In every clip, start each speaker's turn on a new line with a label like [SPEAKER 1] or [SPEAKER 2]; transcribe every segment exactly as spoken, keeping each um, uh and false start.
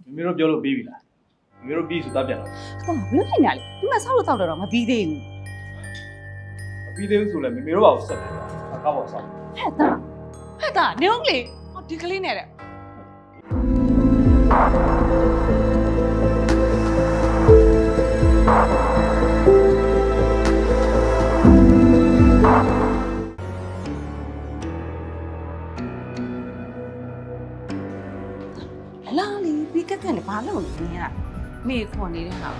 [SPEAKER 1] မေတို့ပြောလို့ပြီးပြီလားမေတို့ပြီးဆိုတာပြန်တော့
[SPEAKER 2] ဟာဘလို့ဖြစ်နေလဲဒီမှာဆောက်လို့တောက်တော့မပြီးသေးဘူး
[SPEAKER 1] မပြီးသေးဘူးဆိုလည်းမေမေတို့ဘာကိုဆက်တယ်အခါပေါ်ဆောက်
[SPEAKER 2] ဟဲ့တာဟဲ့တာနေအောင်လေဟောဒီကလေးနဲ့တဲ့လာလီဒီကက်ကန်ဘာလို့လဲနေရမေခေါ်နေတဲ့ဟာ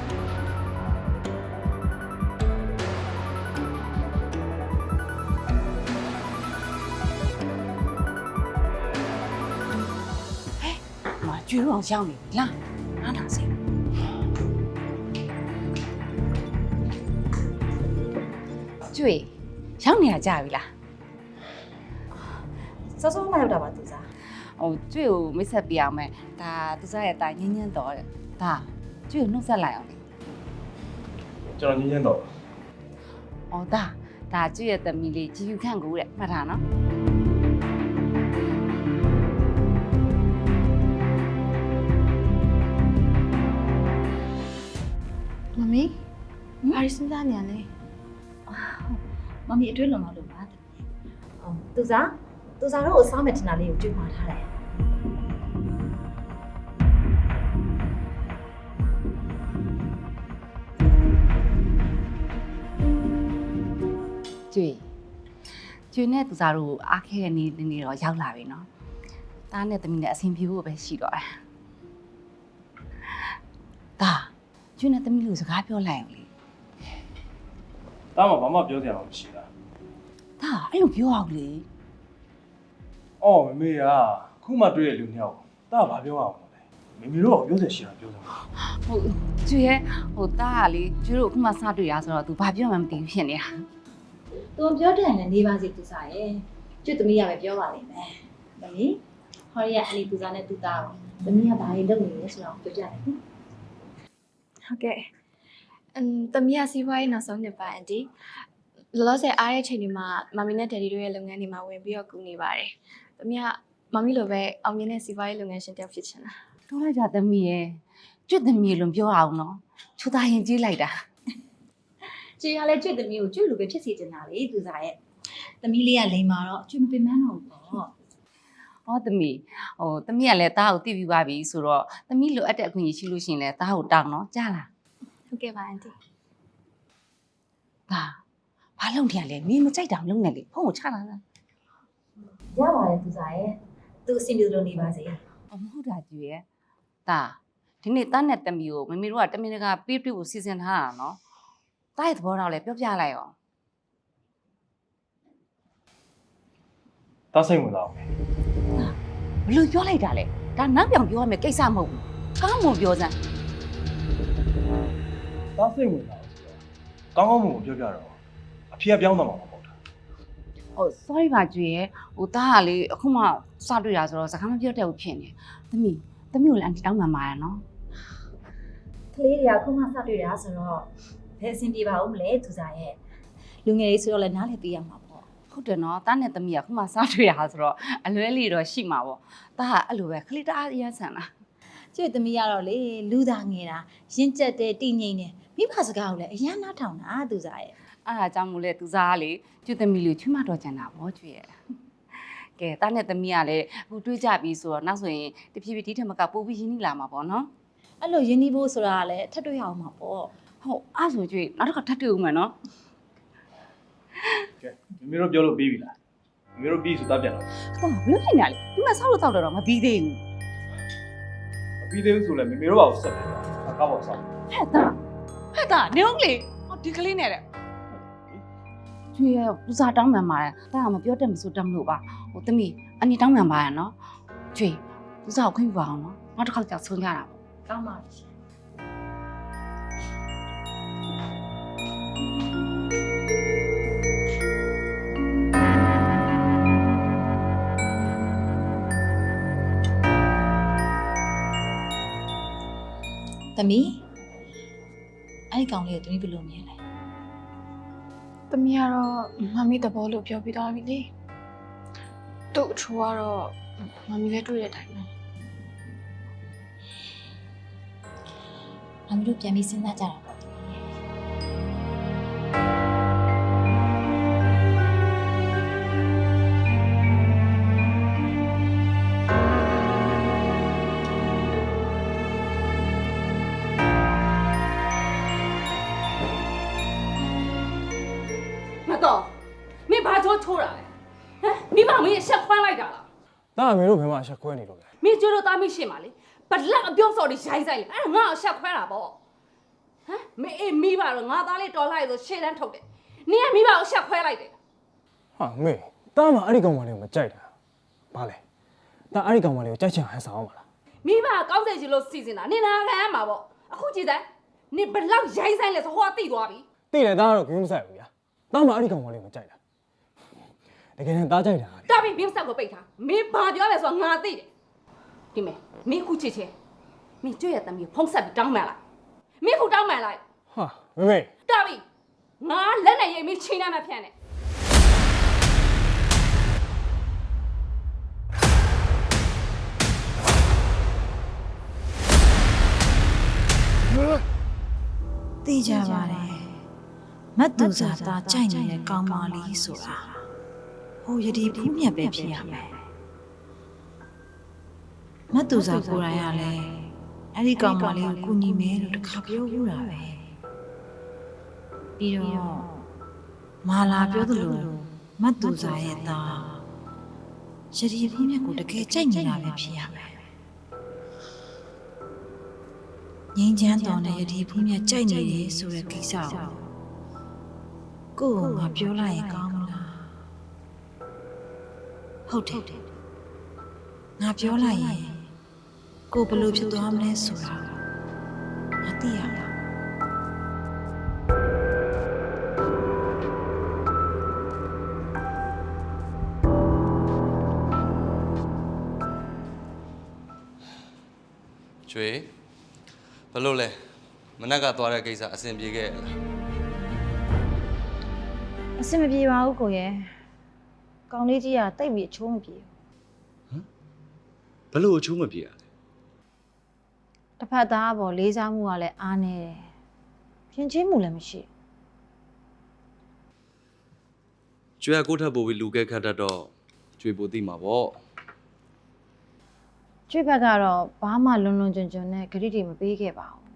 [SPEAKER 2] ကျွေးအောင်ရောက်နေပြီလားနားနာစေကျွေးရောက်နေရကြပြီလားစောစောမှရောက်တာပါသူစားဟိုကျွေးကိုမိတ်ဆက်ပြအောင်မယ်ဒါသူစားရဲ့အတိုင်းညင်းညင်းတော်တဲ့ဒါကျွေးကိုနှုတ်ဆက်လိုက်အောင်လေ
[SPEAKER 1] ကျွန်တော်ညင်းညင်းတော့
[SPEAKER 2] အော်ဒါဒါကျွေးရဲ့သမီးလေးကြည်ယူခန့်ကိုတဲ့မှတ်ထားနော်
[SPEAKER 3] မမီဘာရီစဉ်းစားနေရလဲမမီအတွင်းလုံးမလို့ပါအော်သူစားသူစားတော့အစားမဲ့တင်တာလေးကိုကြွေးမှားထားတယ်
[SPEAKER 2] ကျွေးကျွေးနဲ့သူစားတို့အားခဲတဲ့နေ့နေ့တော့ရောက်လာပြီနော်တားနဲ့သမီးနဲ့အဆင်ပြေဖို့ပဲရှိတော့တယ်ဒါကျွေးနဲ့သမီးတို့စကားပြောလိုက်အောင်လေ
[SPEAKER 1] တားမှာဘာမှပြောစရာမရှိတာ
[SPEAKER 2] ဒါအဲ့လိုပြောအောင်လေ
[SPEAKER 1] အော်မမေကခုမှတွေ့ရလူနှစ်ယောက်တားဘာပြောအောင်လဲမမေတို့ကပြောစရာရှိတာပြောစမ်း
[SPEAKER 2] ဟုတ်ကျွေးရဲ့ဟိုတားကလေကျွေးတို့အခုမှစတွေ့ရဆိုတော့ तू ဘာပြောမှမသိဘူးဖြစ်နေတာ
[SPEAKER 3] သူပြောတယ်လည်းနေပါစေသူစားရဲ့ကျွတ်သမီးရပဲပြောပါလိမ့်မယ်မမီဟောရီကအလီသူစားနဲ့သူသားကိုသမီးကဘာတွေလုပ်နေလဲဆိုတော့ပြောပြတယ်နော်
[SPEAKER 4] ဟုတ်ကဲ့အမ်တမီးရစီးပွားရေးနောက်ဆုံးနှစ်ပါအန်တီလောလောဆယ်အားတဲ့ချိန်ဒီမှာမမီနဲ့ဒယ်ဒီတို့ရဲ့လုပ်ငန်းတွေမှာဝင်ပြီးတော့ကူနေပါတယ်တမီးကမမီလိုပဲအောင်မြင်တဲ့စီးပွားရေးလုပ်ငန်းရှင်တစ်ယောက်ဖြစ်ချင်တာ
[SPEAKER 2] ပြောလိုက်တာသမီးရဲ့ကျွတ်သမီးလုံးပြောအောင်နော်ချူသားရင်ကြီးလိုက်တာ
[SPEAKER 3] ကျွေးရလဲကျွတ်သမီးကိုကျွတ်လိုပဲဖြစ်စီတင်တာလေသူစားရဲ့သမီးလေးကလိန်မာတော့ကျွတ်မပင်မန်းတော့ဘူးပေါ့
[SPEAKER 2] ဟောသမီးဟိုသမီးကလည်းတားကိုတိပြီးပါပြီဆိုတော့သမီးလိုအပ်တဲ့အခွင့်အရေးရှိလို့ရှိရင်လည်းတားကိုတောင်းနော်ကြားလား
[SPEAKER 4] ဟုတ်ကဲ့ပါအန်တီ
[SPEAKER 2] ဒါဘာလုပ်နေရလဲမင်းမကြိုက်တာမလုပ်နဲ့လေဖုန်းကိုချလာလား
[SPEAKER 3] ရပါတယ်သူစားရဲ့သူအဆင်ပြေလို့နေပါစေ
[SPEAKER 2] အမဟုတ်တာကျွေရဲ့ဒါဒီနေ့တားနဲ့သမီးကိုမမေတို့ကတမင်တကာပေးတွေ့ဖို့စီစဉ်ထားတာနော်တားရဲ့သဘောတော့လည်းပြောပြလိုက်အောင်
[SPEAKER 1] တားစိတ်ဝင်စားအောင်
[SPEAKER 2] ဘလို့ပြောလိုက်တာလဲဒါနောက်ပြောင်ပြောရမယ်ကိစ္စမဟုတ်ဘူးကောင်းမွန်ပြောစမ်း
[SPEAKER 1] တားစိတ်ဝင်စားအောင်ဆိုတော့ကောင်းကောင်းမွန်မွန်ပြောပြတော့အဖေကပြောင်းသွားမှာမဟုတ်တာ
[SPEAKER 2] ဟို sorry ပါကျွေရဲ့ဟိုတားကလေအခုမှစတွေ့တာဆိုတော့စကားမပြောတတ်ဘူးဖြစ်နေသမီးသမီးကိုလည်းအန်တီတောင်းမှန်ပါရနော်
[SPEAKER 3] ကလေးတွေကခုမှစတွေ့တာဆိုတော့ဘယ်အဆင်ပြေပါဦးမလဲသူစားရဲ့လူငယ်လေးဆိုတော့လည်းနားလည်ပေးရမှာပေါ့
[SPEAKER 2] ဟုတ်တယ်နော်တားနဲ့သမီးကခုမှစတွေ့တာဆိုတော့အလွဲလေးတော့ရှိမှာပေါ့တားကအဲ့လိုပဲခလေးတအားအရန်ဆန်လား
[SPEAKER 3] ကျွတ်သမီးကတော့လေလူသားငယ်တာရင့်ကျက်တဲ့တည်ငြိမ်တယ်မိဘစကားကိုလည်းအရန်နားထောင်တာသူစားရဲ့
[SPEAKER 2] အဲ့ဒါကြောင့်မို့လဲသူစားကလေကျွတ်သမီးလေးချွတ်မတော်ကြံတာပေါ့ကျွေရဲ့ကဲတားနဲ့သမီးကလည်းအခုတွေးကြပြီဆိုတော့နောက်ဆိုရင်တဖြည်းဖြည်းဒီထက်မကပို့ပြီးရင်းနှီးလာမှာပေါ့နော်
[SPEAKER 3] အဲ့လိုရင်းနှီးဖို့ဆိုတာကလည်းထပ်တွေ့ရအောင်မှာပေါ့
[SPEAKER 2] ဟုတ်အဲ့ဆိုကျွေနောက်တစ်ခါထပ်တွေ့ဦးမယ်နော်
[SPEAKER 1] ကဲမမေတို့ပြောလို့ပြီးပြီလားမမေတို့ပြီးဆိုတာပြန်တော့
[SPEAKER 2] ဟာဘလို့ဖြစ်နေလဲဒီမှာဆောက်လို့တောက်တော့မပြီးသေးဘူး
[SPEAKER 1] မပြီးသေးဘူးဆိုလည်းမမေတို့ဘာကိုဆက်တယ်အခါပေါ်ဆောက်
[SPEAKER 2] ဟဲ့တာဟဲ့တာနေအောင်လေဟောဒီကလေးနဲ့တဲ့ကျွေရဲ့ပူစာတောင်းမှန်ပါတယ်တာကမပြောတတ်မဆိုတတ်မလို့ပါဟိုသမီးအန်တီတောင်းမှန်ပါရနော်ကျွေပူစာကိုခွင့်ပြပါအောင်နော်နောက်တစ်ခါကြောက်ဆုံးကြတာပေါ့
[SPEAKER 3] ကောင်းပါပြီသမီးအဲ့ဒီကောင်လေးကိုသမီးဘယ်လိုမြင်လဲ
[SPEAKER 4] တမီးကတော့မမီသဘောလို့ပြောပြသွားပြီလေသူ့အချိုးကတော့မမီလည်းတွေ့တဲ့အတိုင်းပဲ
[SPEAKER 3] မမီတို့ပြန်ပြီးစဉ်းစားကြတာပေါ့
[SPEAKER 2] မတော်မင်းဘာကြောချိုးတာလဲဟမ်မိမမင်းရှက်ခွန်းလိုက်တာလား
[SPEAKER 1] တာအမေတို့ဘယ်မှာရှက်ခွဲနေလို့လဲ
[SPEAKER 2] မင်းကျွတ်လို့သားမရှိမှာလေဘလက်အပြုံးစော်တွေရိုင်းဆိုင်လေအဲ့ဒါငါ့ကိုရှက်ခွန်းတာပေါ့ဟမ်မင်းအေးမိပါတော့ငါသားလေးတော်လိုက်ဆိုရှေ့တန်းထုတ်တယ်နင်ကမိဘကိုရှက်ခွဲလိုက်တယ်
[SPEAKER 1] ဟာမေတာမှအဲ့ဒီကောင်မလေးကိုမကြိုက်တာဘာလဲတာအဲ့ဒီကောင်မလေးကိုကြိုက်ချင်ဟန်ဆောင်အောင်ပါလား
[SPEAKER 2] မိဘကကောင်းစေချင်လို့စီစဉ်တာနင်နာခံရမှာပေါ့အခုကြည့်စမ်းနင်ဘလောက်ရိုင်းဆိုင်လဲဆိုဟိုကသိသွားပြီ
[SPEAKER 1] သိတယ်တာကတော့ဂိမ်းမဆိုင်ဘူးဗျာတာမှအဲ့ဒီကောင်မလေးကိုမကြိုက်တာတကယ်နဲ့တာကြိုက်တာ
[SPEAKER 2] တာပြီးဘင်းဆက်ကိုပိတ်ထားမင်းဘာပြောလဲဆိုတော့ငါသိတယ်ဒီမဲ့မင်းခုချစ်ချင်းမင်းကျွတ်ရတဲ့မင်းဖုံးဆက်ပြီးတောင်းမှန်လိုက်မင်းခုတောင်းမှန်လိုက်
[SPEAKER 1] ဟာမေမေ
[SPEAKER 2] တာပြီးငါလက်နဲ့ရိပ်မင်းချိန်နှမ်းမှဖြန့်တယ်
[SPEAKER 3] သိကြပါတယ်မတ်သူစာသားကြိုက်နေတဲ့ကောင်းမလေးဆိုတာဟိုယဒီဖူးမြတ်ပဲဖြစ်ရမယ်မတ်သူစာကိုယ်တိုင်ကလည်းအဲ့ဒီကောင်းမလေးကိုကူညီမယ်လို့တခါပြောဘူးတာပဲပြီးတော့မာလာပြောသလိုမတ်သူစာရဲ့သားယဒီဖူးမြတ်ကိုတကယ်ကြိုက်နေတာပဲဖြစ်ရမယ်ငင်းချမ်းတော်နဲ့ယဒီဖူးမြတ်ကြိုက်နေတယ်ဆိုတဲ့ကိစ္စကိုကိုကပြောလိုက်ရင်ကောင်းမလားဟုတ်တယ်ငါပြောလိုက်ရင်ကိုဘယ်လိုဖြစ်သွားမလဲဆိုတာငါသိရလား
[SPEAKER 5] ကျွေဘလို့လဲမနက်ကသွားတဲ့ကိစ္စအဆင်ပြေခဲ့လား
[SPEAKER 3] အဆင်မပြေပါဘူးကိုရဲ့ကောင်းလေးကြီးကတိတ်ပြီးအချိုးမပြေ
[SPEAKER 5] ဘလို့အချိုးမပြေရလဲ
[SPEAKER 3] တစ်ဖက်သားပေါ်လေးစားမှုကလည်းအားနေတယ်ပြင်ချင်းမှုလည်းမရှိ
[SPEAKER 5] ကျွေကကိုယ့်ထပ်ပို့ပြီးလူကဲခတ်တတ်တော့ကျွေပိုသိမှာပေါ့
[SPEAKER 3] ကျွေးဘက်ကတော့ဘာမှလွန်လွန်ကျွံကျွံနဲ့ဂရိတွေမပေးခဲ့ပါဘူး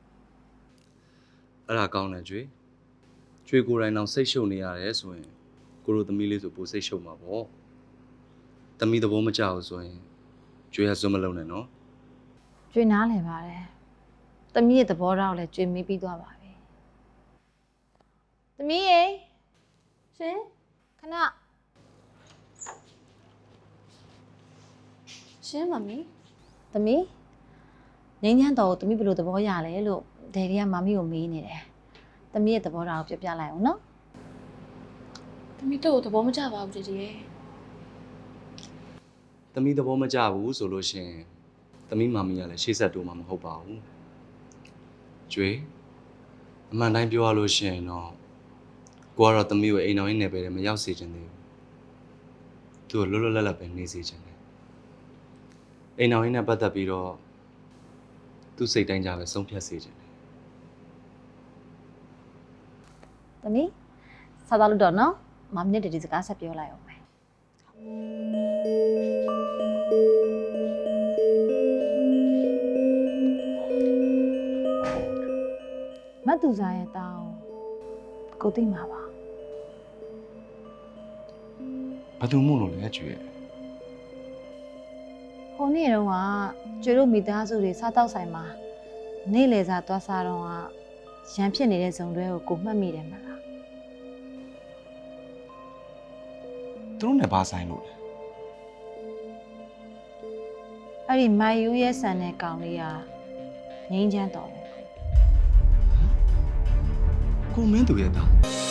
[SPEAKER 5] အဲ့ဒါကောင်းတယ်ကျွေကျွေကိုယ်တိုင်တော့စိတ်ရှုပ်နေရတယ်ဆိုရင်ကိုလိုသမီးလေးဆိုပိုစိတ်ရှုပ်မှာပေါ့သမီးသဘောမကျဘူးဆိုရင်ကျွေကစွန့်မလုံးနဲ့နော်
[SPEAKER 3] ကျွေးနားလည်ပါတယ်တမီးရဲ့သဘောထားကိုလည်းကျွေးမေးပြီးသွားပါပြီတမီးရေရှင်ခဏ
[SPEAKER 4] ရှင်မမီ
[SPEAKER 3] သမီးငင်းချမ်းတော်ကိုသမီးဘယ်လိုသဘောရလဲလို့ဒယ်ဒီကမမီကိုမေးနေတယ်သမီးရဲ့သဘောထားကိုပြောပြလိုက်အောင်နော်
[SPEAKER 4] သမီးတို့သဘောမကျပါဘူးတည်းရဲ့
[SPEAKER 5] သမီးသဘောမကျဘူးဆိုလို့ရှိရင်သမီးမာမီကလည်းရှေ့ဆက်တိုးမှာမဟုတ်ပါဘူးကျွေအမှန်တိုင်းပြောရလို့ရှိရင်တော့ကိုကတော့သမီးကိုအိမ်တော်ရင်းနယ်ပယ်ထဲမရောက်စေချင်သေးဘူးသူ့ကိုလွတ်လွတ်လပ်လပ်ပဲနေစေချင်တယ်အိမ်တော်ရင်းနဲ့ပတ်သက်ပြီးတော့သူ့စိတ်တိုင်းကြပဲဆုံးဖြတ်စေချင်တယ်
[SPEAKER 3] သမီးစားတော့လို့တော့နော်မမီနဲ့ဒီဒီစကားဆက်ပြောလိုက်အောင်မယ်မတ်သူစားရဲ့တောင်းကိုသိမှာပါ
[SPEAKER 5] ဘာသူမို့လို့လဲကျွေ
[SPEAKER 3] ဟိုနေ့တုန်းကကျွေတို့မိသားစုတွေစားတောက်ဆိုင်မှာနေ့လေစားသွားစားတော့ကရန်ဖြစ်နေတဲ့ဇုံတွဲကိုကိုမှတ်မိတယ်မလား
[SPEAKER 5] သူတို့နဲ့ဘာဆိုင်လို့လဲ
[SPEAKER 3] အဲ့ဒီမိုင်ယူရဲ့ဆန်တဲ့ကောင်လေးကငိမ့်ချမ်းတော်ပဲ
[SPEAKER 5] ကိုမင်းသူရဲ့သား